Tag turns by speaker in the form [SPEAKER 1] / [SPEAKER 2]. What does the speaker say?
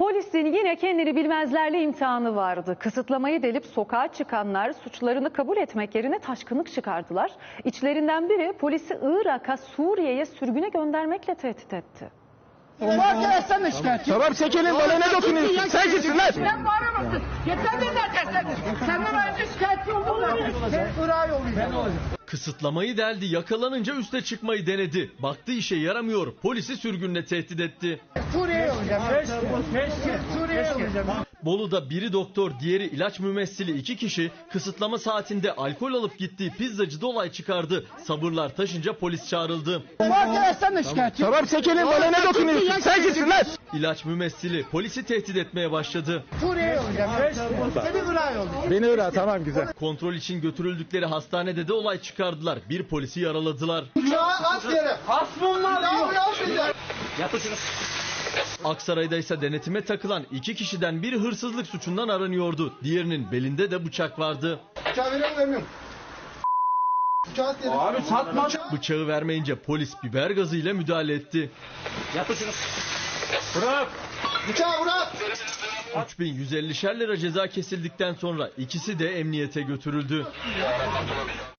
[SPEAKER 1] Polisin yine kendini bilmezlerle imtihanı vardı. Kısıtlamayı delip sokağa çıkanlar suçlarını kabul etmek yerine taşkınlık çıkardılar. İçlerinden biri polisi Irak'a, Suriye'ye sürgüne göndermekle tehdit etti.
[SPEAKER 2] Mahkemesinden de şikayetçi.
[SPEAKER 3] Tamam çekelim, bana ne dokunuyorsun? Sen kimsin lan?
[SPEAKER 2] Sen bağıramazsın. Yeter de zaten sen. Senden önce şikayetçi oldum lan. Ben Irak'a yollayacağım.
[SPEAKER 4] Kısıtlamayı deldi, yakalanınca üste çıkmayı denedi. Baktı işe yaramıyor, polisi sürgünle tehdit etti.
[SPEAKER 2] Suriye'ye yollayacağım. Suriye'ye yollayacağım.
[SPEAKER 4] Bolu'da biri doktor, diğeri ilaç mümessili 2 kişi kısıtlama saatinde alkol alıp gittiği pizzacıda olay çıkardı. Sabırlar taşınca polis çağrıldı.
[SPEAKER 2] Mahkemesinden de şikayetçi.
[SPEAKER 3] Tamam çekelim, bana ne dokunuyorsun? Sen kimsin lan?
[SPEAKER 4] İlaç mümessili polisi tehdit etmeye başladı.
[SPEAKER 2] Suriye'ye yollayacağım. Seni Irak'a yollayacağım.
[SPEAKER 3] Beni Irak, tamam güzel.
[SPEAKER 4] Kontrol için götürüldükleri hastanede de olay çıkardılar. Bir polisi yaraladılar.
[SPEAKER 2] Uçağı at yere. Hasbunlar diyor.
[SPEAKER 4] Aksaray'da ise denetime takılan 2 kişiden biri hırsızlık suçundan aranıyordu. Diğerinin belinde de bıçak vardı.
[SPEAKER 2] Uçağı veriyorum vermiyorum. Uçağı at yere.
[SPEAKER 3] Abi satma.
[SPEAKER 4] Bıçağı vermeyince polis biber gazıyla müdahale etti.
[SPEAKER 3] Bırak.
[SPEAKER 2] Uçağı bırak.
[SPEAKER 4] 3150'şer lira ceza kesildikten sonra ikisi de emniyete götürüldü.